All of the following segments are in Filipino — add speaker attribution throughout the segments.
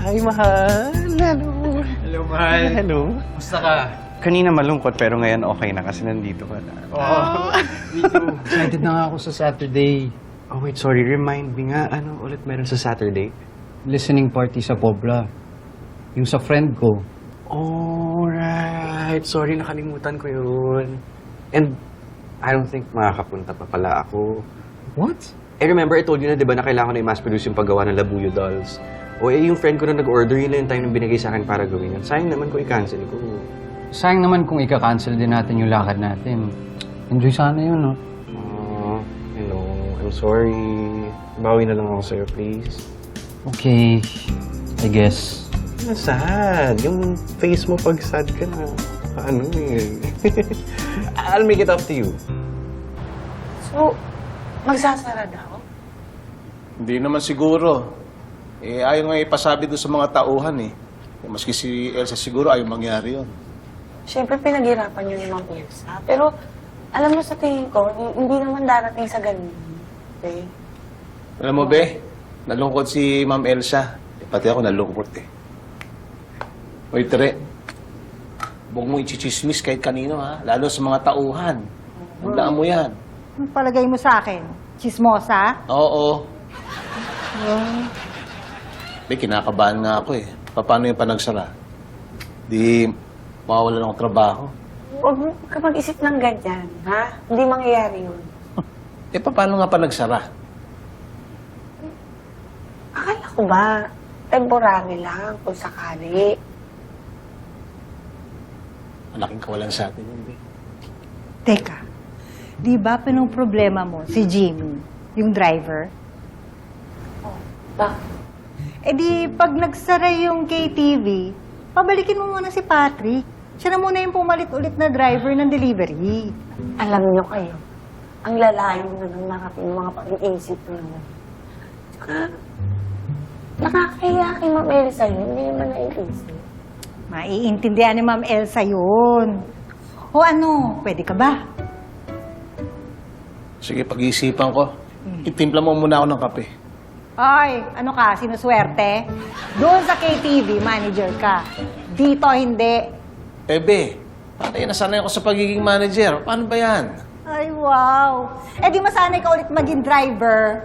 Speaker 1: Hi, mahal. Hello.
Speaker 2: Hello, mahal.
Speaker 1: Hello.
Speaker 2: Musta ka?
Speaker 1: Kanina malungkot pero ngayon okay na kasi nandito ka na.
Speaker 2: Oo. Me too. Excited na nga ako sa Saturday.
Speaker 1: Oh, wait, sorry. Remind me nga, ano ulit meron sa Saturday?
Speaker 2: Listening party sa Pobla. Yung sa friend ko.
Speaker 1: Alright. Sorry, nakalimutan ko yun. And I don't think makakapunta pa pala ako.
Speaker 2: What?
Speaker 1: Remember, I told you na, di ba, na kailangan ko na i-mass produce yung paggawa ng Labuyo dolls. O yung friend ko na nag-order, yun lang yung time na binigay sa akin para gawin yan. Sayang naman kung i-cancel ko.
Speaker 2: Sayang naman kung ika-cancel din natin yung lakad natin. Enjoy sana yun, no?
Speaker 1: Oh, I'm sorry. Bawi na lang ako sa'yo, please.
Speaker 2: Okay. I guess.
Speaker 1: Sad. Yung face mo pag sad ka na. Ano eh. I'll make it up to you.
Speaker 3: So, magsasara daw?
Speaker 4: Hindi naman siguro. Ayaw nga ipasabi doon sa mga tauhan eh. Maski si Elsa siguro ayaw mangyari yun.
Speaker 3: Siyempre, pinaghirapan yun ni Ma'am Elsa. Pero, alam mo sa tingin ko, hindi naman darating sa ganun. Okay?
Speaker 4: Alam mo, Be, nalungkot si Ma'am Elsa. Pati ako nalungkot eh. Hoy, Tere, huwag mo ichichismis kahit kanino ha, lalo sa mga tauhan. Tandaan mo yan.
Speaker 5: Anong palagay mo sa akin? Chismosa?
Speaker 4: Oo. Be, kinakabahan nga ako eh. Paano yung panagsara? Di mawawalan akong trabaho.
Speaker 3: Huwag mo ka mag-isip ng ganyan, ha? Hindi mangyayari yun.
Speaker 4: Paano nga panagsara?
Speaker 3: Akala ko ba, temporary lang kung sakali.
Speaker 4: Malaking kawalan sa atin yun, Be.
Speaker 5: Teka, di ba pinong problema mo si Jimmy, yung driver?
Speaker 3: Bakit?
Speaker 5: Eh di, pag nagsara yung KTV, pabalikin mo muna si Patrick. Siya na muna yung pumalit ulit na driver ng delivery.
Speaker 3: Alam niyo kayo, ang lalayo na ng narating ng mga pag-iisip nyo. Tsaka, nakakahiya kay Ma'am Elsa yun, hindi naman naiisip.
Speaker 5: Maiintindihan ni Ma'am Elsa yun. O ano, pwede ka ba?
Speaker 4: Sige, pag-iisipan ko. Itimpla mo muna ako ng kape.
Speaker 5: Ay, ano ka, sinuswerte? Doon sa KTV, manager ka. Dito, hindi.
Speaker 4: Be, nasanay ako sa pagiging manager. Paano ba yan?
Speaker 5: Ay, wow. Eh di masanay ka ulit maging driver.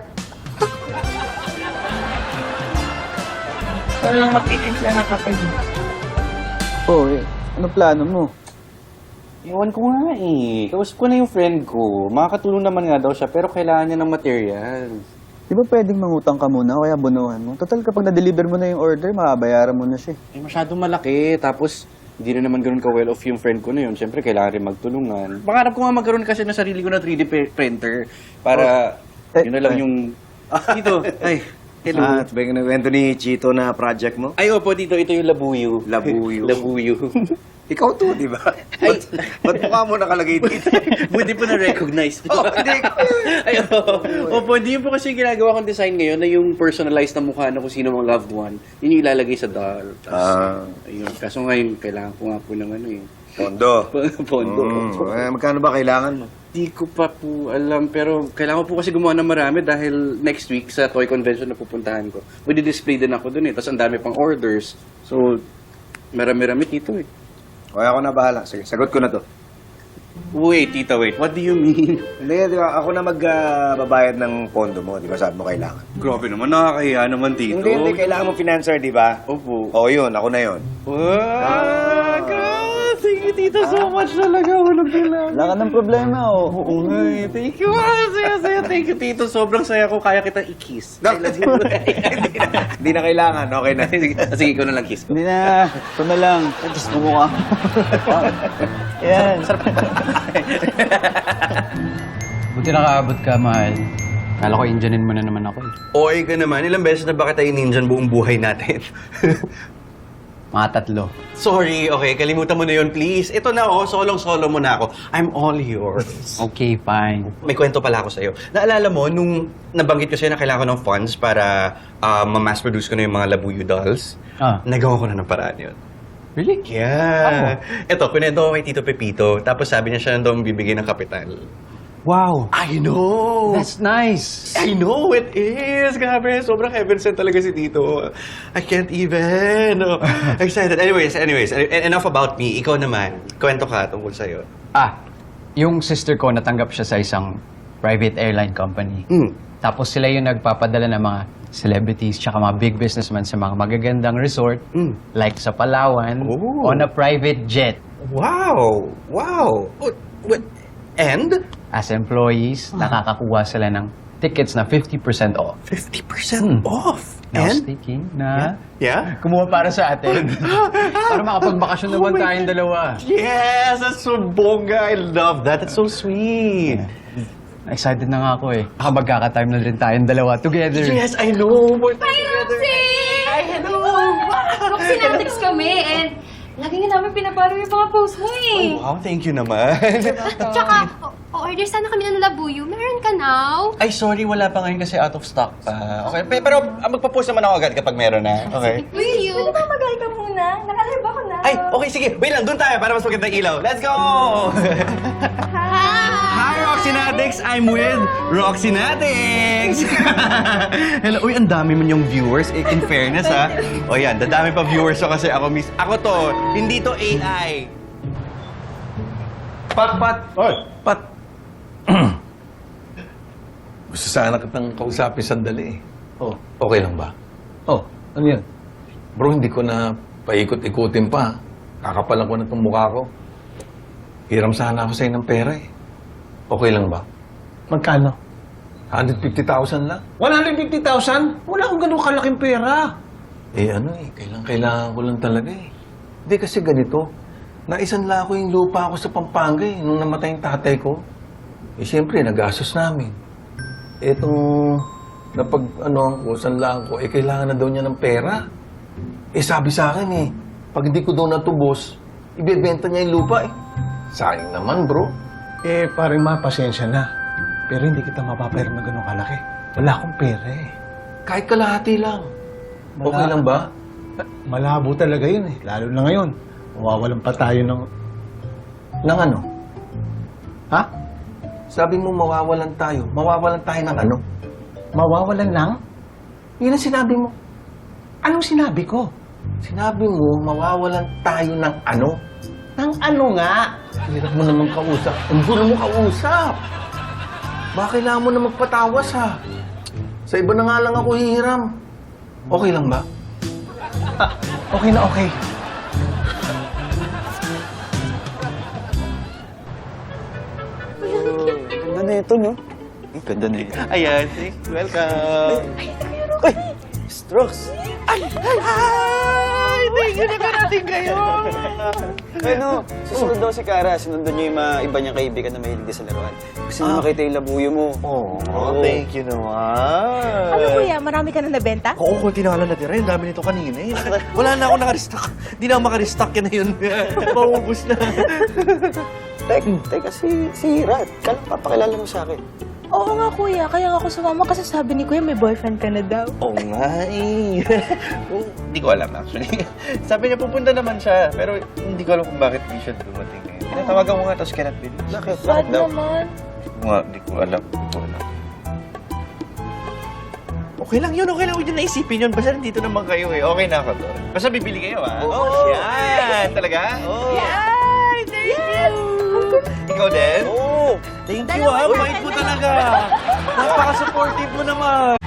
Speaker 3: Walang magtitimpla ng kape.
Speaker 1: Oh, ano plano mo? Ewan ko nga eh. Kausap ko na yung friend ko. Makakatulong naman nga daw siya, pero kailangan niya ng material.
Speaker 6: Di ba pwedeng mangutang ka muna o kaya bunuhan mo? Total, kapag na-deliver mo na yung order, makabayaran mo na siya.
Speaker 1: Masyadong malaki. Tapos, hindi na naman ganun ka-well off yung friend ko na yun. Siyempre, kailangan rin magtulungan. Pangarap ko nga magkaroon kasi ng sarili ko na 3D printer para yun na lang yung... Dito, ay, hello.
Speaker 6: ito ba yung nagwento ni Chito na project mo?
Speaker 1: Ay, opo, dito. Ito yung Labuyo.
Speaker 6: Labuyo.
Speaker 1: Labuyo.
Speaker 6: Ikaw to, di ba?
Speaker 1: Ay.
Speaker 6: Ba't mukha mo nakalagay dito?
Speaker 1: Buti po na-recognize.
Speaker 6: Hindi ko.
Speaker 1: Ay, opo, hindi yun po kasi yung ginagawa kong design ngayon na yung personalized na mukha na kung sino mong loved one. Yun yung ilalagay sa doll. Ayun. Kaso ngayon, kailangan ko nga po ng ano eh.
Speaker 6: Pondo.
Speaker 1: Pondo.
Speaker 6: Magkano ba kailangan mo?
Speaker 1: Di ko pa po alam, pero kailangan ko po kasi gumawa ng marami dahil next week sa toy convention na pupuntahan ko. Pwede display din ako dun eh, tapos ang dami pang orders. So, marami-rami dito eh.
Speaker 6: Okay, ako na bahala. Sige, sagot ko na to.
Speaker 1: Wait, tita, wait. What do you mean?
Speaker 6: Hindi, di ba? Ako na magbabayad ng pondo mo. Di ba sabi mo kailangan?
Speaker 1: Grabe naman, nakakahiya naman, tito.
Speaker 6: Hindi. Kailangan mo financer, di ba?
Speaker 1: Opo.
Speaker 6: Oo, yun. Ako na yun.
Speaker 1: God! Thank you, tito, so much talaga. Walang kailangan.
Speaker 6: Wala ka ng problema, oh.
Speaker 1: Oo nga eh. Thank you. Saya. Thank you, tito. Sobrang saya ko. Kaya kita i-kiss.
Speaker 6: No. Hindi na kailangan. Okay na.
Speaker 1: Sige, ikaw na lang kiss ko.
Speaker 6: Hindi na. Ito na lang. Just mo mukha. Yan.
Speaker 2: Buti nakaabot ka, mahal. Kala ko Indianin mo na naman ako eh.
Speaker 1: Oy ka naman. Ilang beses na ba kita ininjan buong buhay natin?
Speaker 2: Mga 3.
Speaker 1: Sorry, okay. Kalimutan mo na yun, please. Ito na, oh. Solong-solo mo na ako. I'm all yours.
Speaker 2: Okay, fine.
Speaker 1: May kwento pala ako sa'yo. Naalala mo, nung nabanggit ko sa'yo na kailangan ko ng funds para ma-mass produce ko na yung mga Labuyo dolls, nagawa ko na ng paraan yun.
Speaker 2: Really?
Speaker 1: Yeah. Ito, pinento ko kay Tito Pepito. Tapos sabi niya siya na daw bibigay ng kapital.
Speaker 4: Wow!
Speaker 1: I know!
Speaker 2: That's nice.
Speaker 1: I know it is! Grabe, sobrang heaven sent talaga si Tito. I can't even. Oh, excited. Anyways, enough about me. Ikaw naman, kwento ka tungkol sa'yo.
Speaker 2: Yung sister ko natanggap siya sa isang private airline company. Tapos sila yung nagpapadala ng mga celebrities tsaka mga big businessmen sa mga magagandang resort like sa Palawan
Speaker 1: Oh.
Speaker 2: on a private jet.
Speaker 1: Wow! Wow! Oh, what? And?
Speaker 2: As employees, nakakakuha sila ng tickets na 50% off.
Speaker 1: 50% off!
Speaker 2: I was
Speaker 1: And?
Speaker 2: thinking na
Speaker 1: Yeah?
Speaker 2: kumuha para sa atin. Para makapagbakasyon naman
Speaker 1: Oh my
Speaker 2: tayong dalawa.
Speaker 1: Yes! That's so bongga! I love that. That's so sweet.
Speaker 2: Excited na nga ako eh. Baka magkaka-time na rin tayong dalawa together.
Speaker 1: Yes, I know. We're
Speaker 7: Hi, Roxy!
Speaker 1: Hi, hello!
Speaker 7: Roxy, Natix kami and lagi nga namin pinapalo yung mga post mo eh.
Speaker 1: Wow, thank you naman.
Speaker 7: Tsaka, order sana kami ng labuyo. Meron ka now?
Speaker 1: Ay, sorry, wala pa ngayon kasi out of stock pa. Okay, pero magpa-post naman ako agad kapag meron na. Okay?
Speaker 7: Will you?
Speaker 5: Pwede ba mag-hi ka muna? Nakalive ako na.
Speaker 1: Ay, okay, sige. Wait lang, doon tayo para mas maganda ilaw. Let's go! Hi, Roxy Natix! I'm with Roxy Natix! Hello. Uy, ang dami man yung viewers. In fairness, ha? O yan, dadami pa viewers ko kasi ako Ako to, hindi to AI.
Speaker 4: Pat!
Speaker 8: Oy,
Speaker 4: Pat!
Speaker 8: gusto sana kitang kausapin sandali eh.
Speaker 4: Oh,
Speaker 8: Okay lang ba?
Speaker 4: oh, ano yan?
Speaker 8: Bro, hindi ko na paikot-ikutin pa. Kakapalan ko na itong mukha ko. Hiram sana ako sa'yo ng pera eh. Okay lang ba?
Speaker 4: Magkano?
Speaker 8: 150,000 lang.
Speaker 4: 150,000? Wala akong ganun kalaking pera.
Speaker 8: Eh ano eh, kailangan ko lang talaga eh. Hindi kasi ganito. Naisanla ko yung lupa ko sa Pampanga eh, nung namatay yung tatay ko. Eh siyempre, nagastos namin. Etong sanlaan ko, eh kailangan na daw niya ng pera. Eh sabi sa akin eh, pag hindi ko daw natubos, ibebenta niya yung lupa eh. Sayang naman bro.
Speaker 4: Eh, parang pasensya na. Pero hindi kita mapapayar na ganun kalaki. Wala akong pera eh.
Speaker 8: Kahit kalahati lang. Okay lang ba?
Speaker 4: Malabo talaga yun eh. Lalo na ngayon. Mawawalan pa tayo ng...
Speaker 8: Nang ano?
Speaker 4: Ha?
Speaker 8: Sabi mo mawawalan tayo. Mawawalan tayo ng ano?
Speaker 4: Mawawalan lang?
Speaker 8: Yun ang sinabi mo.
Speaker 4: Anong sinabi ko?
Speaker 8: Sinabi mo mawawalan tayo ng ano?
Speaker 4: Nang ano nga?
Speaker 8: Hirap mo naman kausap. Ang gulo mo kausap. Baka kailangan mo na magpatawas ha. Sa iba na nga lang ako hihiram. Okay lang ba?
Speaker 4: Okay na okay.
Speaker 6: Ganda na ito, no? Ganda na ito.
Speaker 1: Ayan, welcome.
Speaker 6: Uy! Strokes!
Speaker 1: Thank you na karating kayo.
Speaker 6: Ano, susunod daw si Kara. Sinundan niya yung mga iba niyang kaibigan na mahilig din sa laruan. Gusto niya makita yung labuyo mo.
Speaker 1: Oh, thank you naman.
Speaker 5: Ano kuya, marami ka na nabenta?
Speaker 1: Oo, kunti na lang natira. Ang dami nito kanina eh. Wala na ako naka-restock. Hindi na ako maka-restock yan na yun. Maubos na.
Speaker 6: Teka, si Rat. Kala papakilala mo sa akin.
Speaker 3: Oo nga kuya, kaya ako sumama kasi sabi ni kuya may boyfriend ka na daw.
Speaker 1: Oo nga eh. Hindi ko alam actually. Sabi niya pupunta naman siya, pero hindi ko alam kung bakit di siya dumating ngayon. Tinatawagan ko nga tapos cannot believe.
Speaker 6: Bakit?
Speaker 3: Bad
Speaker 6: daw?
Speaker 3: naman.
Speaker 1: Hindi ko alam. Okay lang yun, okay lang. Huwag niyo naisipin yun. Basta nandito naman kayo eh. Okay na ako doon. Basta bibili kayo ah. Oo, yan. Talaga? Oo. Yan! Thank you! Ikaw din? Oo. Thank you ah. Bait mo talaga. Napaka-supportive mo naman.